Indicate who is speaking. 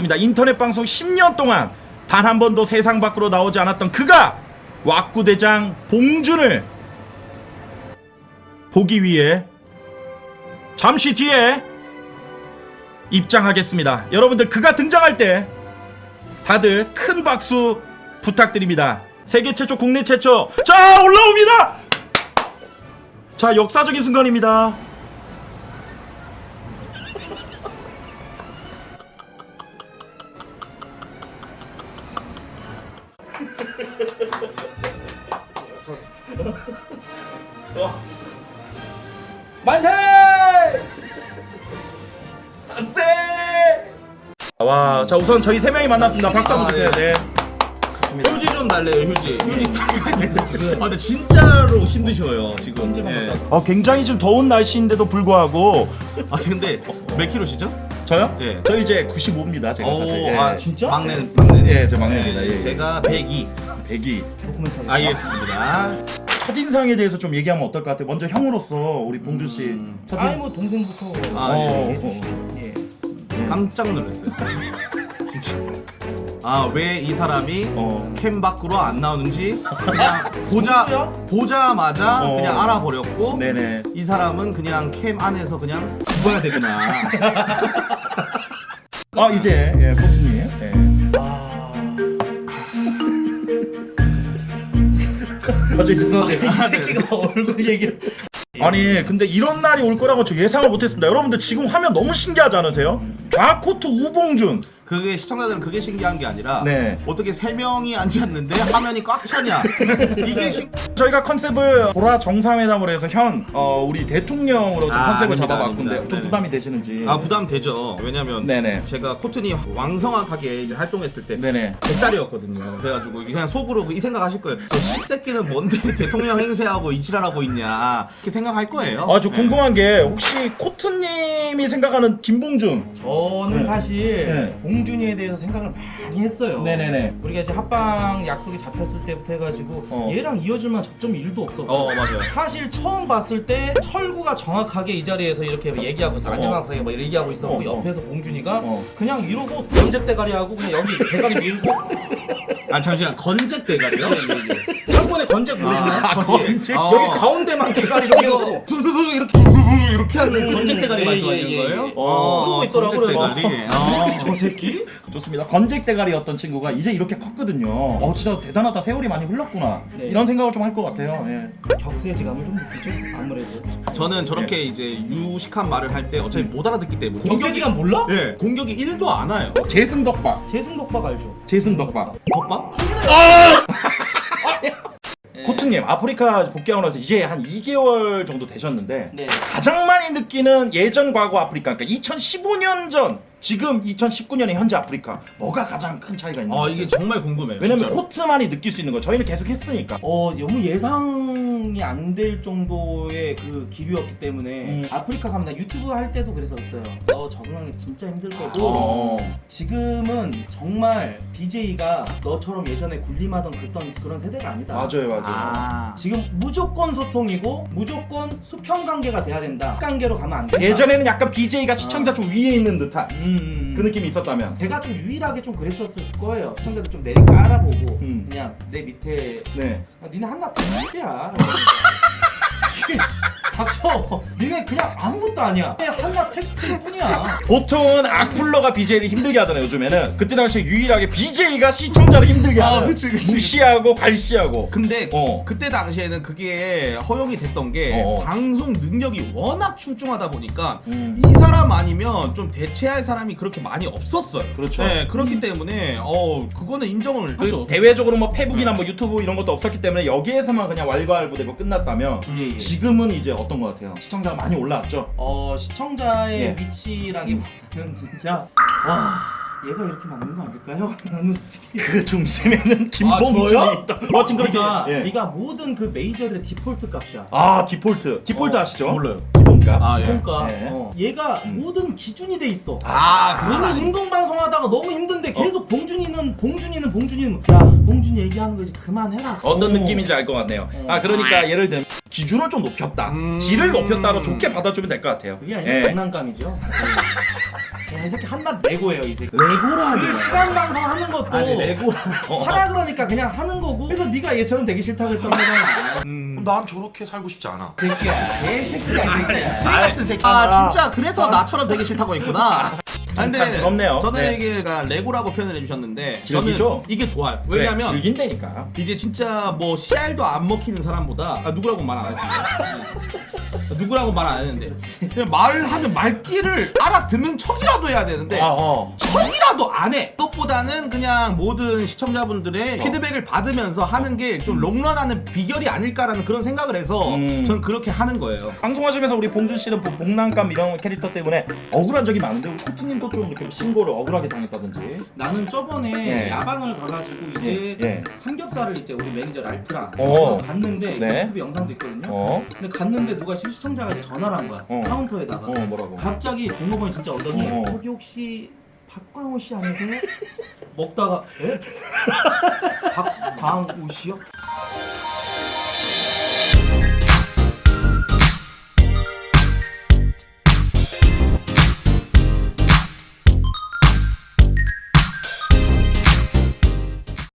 Speaker 1: 있습니다. 인터넷 방송 10년 동안 단 한 번도 세상 밖으로 나오지 않았던 그가 왁구대장 봉준을 보기 위해 잠시 뒤에 입장하겠습니다. 여러분들 그가 등장할 때 다들 큰 박수 부탁드립니다. 세계 최초, 국내 최초. 자, 올라옵니다. 자, 역사적인 순간입니다. 만세! 만세! 와, 자 우선 저희 세 명이 만났습니다. 박수 한번 주세요. 네.
Speaker 2: 휴지 좀 달래요, 휴지. 휴지 지금. 근데 진짜로 힘드셔요, 지금. 예.
Speaker 1: 굉장히 좀 더운 날씨인데도 불구하고
Speaker 2: 근데 몇 킬로시죠?
Speaker 1: 저요?
Speaker 2: 예.
Speaker 1: 저 이제 95입니다. 제가 사실. 예.
Speaker 2: 진짜? 막내는.
Speaker 1: 예, 저 막내입니다. 예.
Speaker 2: 제가 102.
Speaker 1: 102.
Speaker 2: 알겠습니다.
Speaker 1: 첫인상에 대해서 좀 얘기하면 어떨 것 같아요? 먼저 형으로서 우리 봉준 씨.
Speaker 3: 아니 뭐 동생부터
Speaker 2: 예. 깜짝 놀랐어요. 진짜. 왜 이 사람이 캠 밖으로 안 나오는지 그냥 보자마자 그냥 알아버렸고,
Speaker 1: 네네.
Speaker 2: 이 사람은 그냥 캠 안에서 그냥 죽어야 되구나.
Speaker 1: 이제 예, 포트님. 예.
Speaker 3: 새끼가 얼굴 얘기.
Speaker 1: 아니 근데 이런 날이 올 거라고 저 예상을 못했습니다. 여러분들 지금 화면 너무 신기하지 않으세요? 좌코트 우봉준.
Speaker 2: 그게 시청자들은 그게 신기한 게 아니라
Speaker 1: 네.
Speaker 2: 어떻게 3명이 앉았는데 화면이 꽉 차냐. 이게
Speaker 1: 저희가 컨셉을 보라 정상회담으로 해서 우리 대통령으로 좀 컨셉을
Speaker 2: 아닙니다,
Speaker 1: 잡아봤는데
Speaker 2: 아닙니다.
Speaker 1: 좀
Speaker 2: 네네.
Speaker 1: 부담이 되시는지.
Speaker 2: 부담 되죠. 왜냐면
Speaker 1: 네네.
Speaker 2: 제가 코튼이 왕성하게 이제 활동했을 때
Speaker 1: 네네.
Speaker 2: 100달이었거든요. 그래가지고 그냥 속으로 이 생각하실 거예요. 저 씹새끼는 뭔데 대통령 행세하고 이 지랄하고 있냐, 이렇게 생각할 거예요.
Speaker 1: 저 궁금한 게 혹시 코트님이 생각하는 김봉준.
Speaker 3: 저는
Speaker 1: 네.
Speaker 3: 사실
Speaker 1: 네.
Speaker 3: 봉준이에 대해서 생각을 많이 했어요.
Speaker 1: 네네네.
Speaker 3: 우리가 이제 합방 약속이 잡혔을 때부터 해가지고 얘랑 이어질 만한 접점이 1도 없었고.
Speaker 2: 맞아요.
Speaker 3: 사실 처음 봤을 때 철구가 정확하게 이 자리에서 이렇게 얘기하고 있어. 안녕하세요 막 이렇게 얘기하고 있었고 옆에서 봉준이가 그냥 이러고 건잭대가리 하고 그냥 여기 대가리 밀고.
Speaker 2: 잠시만, 건잭 대가리요?
Speaker 3: 한번에 건잭 보이시나요?
Speaker 2: 건잭?
Speaker 3: 여기 가운데만 대가리 이렇게 하고
Speaker 2: 두두두 이렇게 하는 건잭 대가리 말씀하시는 거예요?
Speaker 3: 그러고 있더라고요.
Speaker 2: 건잭 대가리.
Speaker 3: 저 새끼?
Speaker 1: 좋습니다. 건잭 대가리였던 친구가 이제 이렇게 컸거든요. 진짜 대단하다. 세월이 많이 흘렀구나.
Speaker 3: 네.
Speaker 1: 이런 생각을 좀 할 것 같아요. 예.
Speaker 3: 격세지감을 좀 느끼죠. 아무래도.
Speaker 2: 저는 저렇게 이제 유식한 말을 할 때 어차피 못 알아듣기 때문에
Speaker 3: 격세지감 몰라?
Speaker 2: 예, 공격이 1도 안 와요.
Speaker 1: 재승덕박.
Speaker 3: 재승덕박 알죠?
Speaker 1: 재승덕박.
Speaker 2: 덮밥?
Speaker 1: 코트님, 아프리카 복귀하고 나서 이제 한 2개월 정도 되셨는데
Speaker 3: 네.
Speaker 1: 가장 많이 느끼는 예전 과거 아프리카, 그러니까 2015년 전 지금 2019년의 현재 아프리카, 뭐가 가장 큰 차이가 있는 거예요?
Speaker 2: 이게 정말 궁금해요.
Speaker 1: 왜냐면
Speaker 2: 진짜로.
Speaker 1: 코트만이 느낄 수 있는 거예요. 저희는 계속 했으니까.
Speaker 3: 너무 예상이 안 될 정도의 그 기류였기 때문에 아프리카 가면 나 유튜브 할 때도 그랬었어요. 적응하기 진짜 힘들 거고 지금은 정말 BJ가 너처럼 예전에 군림하던 그런 세대가 아니다.
Speaker 1: 맞아요.
Speaker 3: 지금 무조건 소통이고 무조건 수평 관계가 돼야 된다. 관계로 가면 안 된다.
Speaker 1: 예전에는 약간 BJ가 시청자 좀 위에 있는 듯한 그 느낌이 있었다면.
Speaker 3: 제가 좀 유일하게 좀 그랬었을 거예요. 시청자들 좀 내리 깔아보고
Speaker 1: 음.
Speaker 3: 그냥 내 밑에
Speaker 1: 네.
Speaker 3: 니네 한낱 닭새끼야. 닥쳐. 니네 그냥 아무것도 아니야. 그냥 한낱 텍스트일 뿐이야.
Speaker 1: 보통은 악플러가 BJ를 힘들게 하잖아요. 요즘에는. 그때 당시에 유일하게 BJ가 시청자를 힘들게 하는.
Speaker 2: 그치.
Speaker 1: 무시하고 갈시하고.
Speaker 2: 근데
Speaker 1: 어.
Speaker 2: 그때 당시에는 그게 허용이 됐던 게 방송 능력이 워낙 출중하다 보니까 이 사람 아니면 좀 대체할 사람이 그렇게 많이 없었어요.
Speaker 1: 그렇죠.
Speaker 2: 네, 그렇기 때문에 그거는 인정을 하죠.
Speaker 1: 대외적으로 뭐 페북이나 뭐 유튜브 이런 것도 없었기 때문에 여기에서만 그냥 왈가왈부되고 끝났다면
Speaker 3: 예.
Speaker 1: 지금은 이제 어떤 것 같아요? 시청자가 많이 올라왔죠?
Speaker 3: 시청자의
Speaker 1: 예.
Speaker 3: 위치라기보다는 진짜 얘가 이렇게 맞는 거 아닐까요? 나는 솔직히
Speaker 1: 그 중심에는 김봉준이
Speaker 3: 저요?
Speaker 1: 있다. 지금 그렇게. 예.
Speaker 3: 네가 모든 그 메이저들의 디폴트 값이야.
Speaker 1: 디폴트 아시죠?
Speaker 2: 몰라요.
Speaker 1: 기본값.
Speaker 3: 그러니까
Speaker 1: 예.
Speaker 3: 얘가 모든 기준이 돼 있어.
Speaker 2: 그건
Speaker 3: 오늘
Speaker 2: 아니.
Speaker 3: 운동 방송하다가 너무 힘든데 계속 봉준이는 야 봉준이 얘기하는 거 이제 그만해라.
Speaker 1: 어떤 느낌인지 알 것 같네요. 그러니까 예를 들면 기준을 좀 높였다, 질을 높였다로 좋게 받아주면 될 것 같아요.
Speaker 3: 그게 아니라
Speaker 1: 예.
Speaker 3: 장난감이죠. 이 새끼 한낱 레고예요 이 새끼.
Speaker 1: 레고라니.
Speaker 3: 그 시간 방송 하는 것도
Speaker 2: 아니 레고
Speaker 3: 하라 그러니까 그냥 하는 거고. 그래서 네가 얘처럼 되기 싫다고 했던 거잖아.
Speaker 4: 난 저렇게 살고 싶지 않아.
Speaker 3: 새끼야, 개새끼야 진짜.
Speaker 2: 쓰레기 같은 새끼. 아 진짜 그래서 나처럼 되기 싫다고 했구나. 아, 근데
Speaker 1: 부럽네요.
Speaker 2: 저는
Speaker 1: 네.
Speaker 2: 이게 레고라고 표현을 해주셨는데
Speaker 1: 즐기죠?
Speaker 2: 저는 이게 좋아요. 왜냐면
Speaker 1: 즐긴다니까.
Speaker 2: 이제 진짜 뭐 CR도 안 먹히는 사람보다 누구라고 말 안 했습니다. 누구라고 말 안 했는데 그냥 말하면 말귀를 알아듣는 척이라도 해야 되는데 척이라도 안 해. 그것보다는 그냥 모든 시청자분들의 피드백을 받으면서 하는 게 좀 롱런하는 비결이 아닐까라는 그런 생각을 해서 전 그렇게 하는 거예요.
Speaker 1: 방송하시면서 우리 봉준 씨는 복난감 이런 캐릭터 때문에 억울한 적이 많은데 우리 코트님도 좀 이렇게 신고를 억울하게 당했다든지.
Speaker 3: 나는 저번에
Speaker 1: 네.
Speaker 3: 야방을 가가지고 이제
Speaker 1: 네.
Speaker 3: 삼겹살을 이제 우리 매니저 랄프랑
Speaker 1: 어.
Speaker 3: 갔는데
Speaker 1: 네.
Speaker 3: 유튜브 영상도 있거든요. 근데 갔는데 누가 시청자가 이제 전화를 한 거야. 카운터에다가.
Speaker 1: 뭐라고?
Speaker 3: 갑자기 종업원이 진짜 오더니 거기 혹시 박광호 씨 아니세요? 먹다가 에? 박광호 씨요?